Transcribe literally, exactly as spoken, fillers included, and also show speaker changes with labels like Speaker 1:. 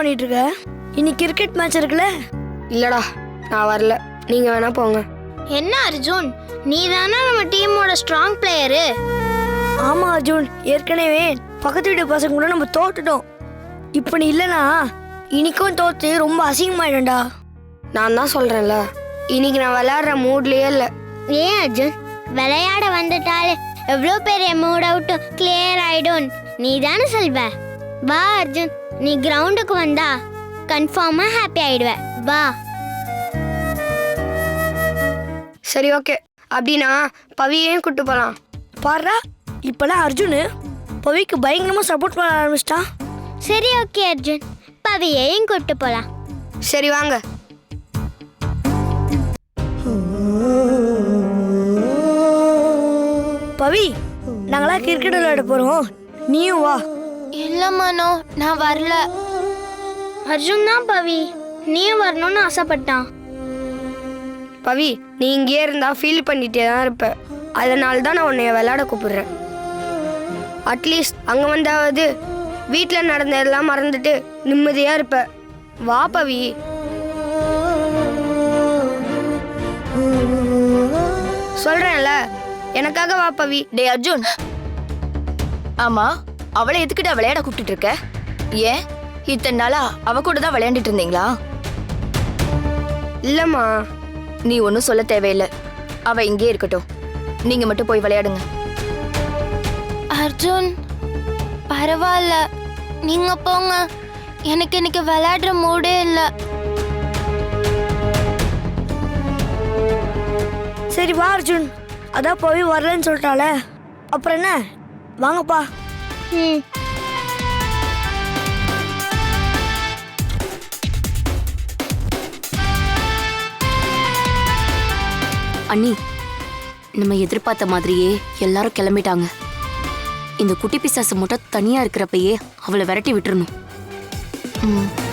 Speaker 1: பண்ணிட்டு இருக்க? இன்னைக்கு கிரிக்கெட் மேட்ச் இருக்குல்ல?
Speaker 2: இல்லடா, நான் வரல. நீங்க வேணா போங்க.
Speaker 3: என்ன அர்ஜுன், நீ தானே நம்ம டீமோட ஸ்ட்ராங் பிளேயரு.
Speaker 1: ஆமா அர்ஜுன், ஏற்கனவே பக்கத்து வீட்டு பசங்க கூட நம்ம தோத்துட்டோம். இப்போ நீ இல்லைனா இன்னைக்கும் தோத்து ரொம்ப அசிங்கமாயிடும்டா.
Speaker 2: நான் தான் சொல்றேன்ல, இன்னைக்கு நான் விளையாடுற மூட்லயே இல்லை.
Speaker 3: ஏன் அர்ஜுன், விளையாட வந்துட்டாலே எவ்வளோ பெரிய மூட் அவுட்டும் கிளியர் ஆயிடும் நீ தானே சொல்வ. வா அர்ஜுன், நீ கிரவுண்டுக்கு வந்தா கன்ஃபார்மா ஹாப்பி ஆயிடுவ. வா.
Speaker 2: சரி, ஓகே. அப்படின்னா பவியையும் கூட்டு போலாம்.
Speaker 1: பாருடா, இப்பெல்லாம் அர்ஜுன் பவிக்கு பயங்கரமா சப்போர்ட் பண்ண ஆரம்பிச்சிட்டான்.
Speaker 3: சரி, ஓகே அர்ஜுன், பவியையும் கூட்டு போலாம்.
Speaker 2: சரி வாங்க.
Speaker 1: பவி, நாங்களா கிரிக்கெட் விளையாட போறோம், நீயும் வா.
Speaker 3: இல்ல மனோ, நான் வரல. அர்ஜுன் தான் பவி நீயும் வரணும்னு ஆசைப்பட்டான்.
Speaker 2: பவி, நீ இங்கே இருந்தா ஃபீல் பண்ணிட்டே தான் இருப்ப. அதனால தான் நான் உன்னைய விளையாட கூப்பிடுறேன். அட்லீஸ்ட் அங்கே வந்தாவது வீட்டில் நடந்ததெல்லாம் மறந்துட்டு நிம்மதியாக இருப்ப. வா பவி. சொல்றேன்ல, எனக்காக வா பவி.
Speaker 4: டே அர்ஜுன், ஆமா அவளை எதுக்கிட்ட விளையாட கூப்பிட்டு இருக்க? ஏன் இத்தனை நாளா அவ கூட தான் விளையாண்டுட்டு இருந்தீங்களா?
Speaker 2: இல்லம்மா,
Speaker 4: நீ ஒன்னும் சொல்ல தேவையில்லை. அவ இங்கே இருக்கட்டும், நீங்க மட்டும் போய் விளையாடுங்க.
Speaker 3: அர்ஜுன் பரவாயில்ல, நீங்க போங்க. எனக்கு இன்னைக்கு விளையாடுற மூடே இல்லை.
Speaker 1: சரி வா அர்ஜுன், அதான் பவி வரலன்னு சொல்லிட்டால, அப்புறம் என்ன, வாங்கப்பா.
Speaker 3: ம்.
Speaker 5: அண்ணி, நம்ம எதிர்பார்த்த மாதிரியே எல்லாரும் கிளம்பிட்டாங்க. இந்த குட்டி பிசாசு மட்டும் தனியா இருக்கிறப்பயே அவளை விரட்டி விட்டுறணும். ம்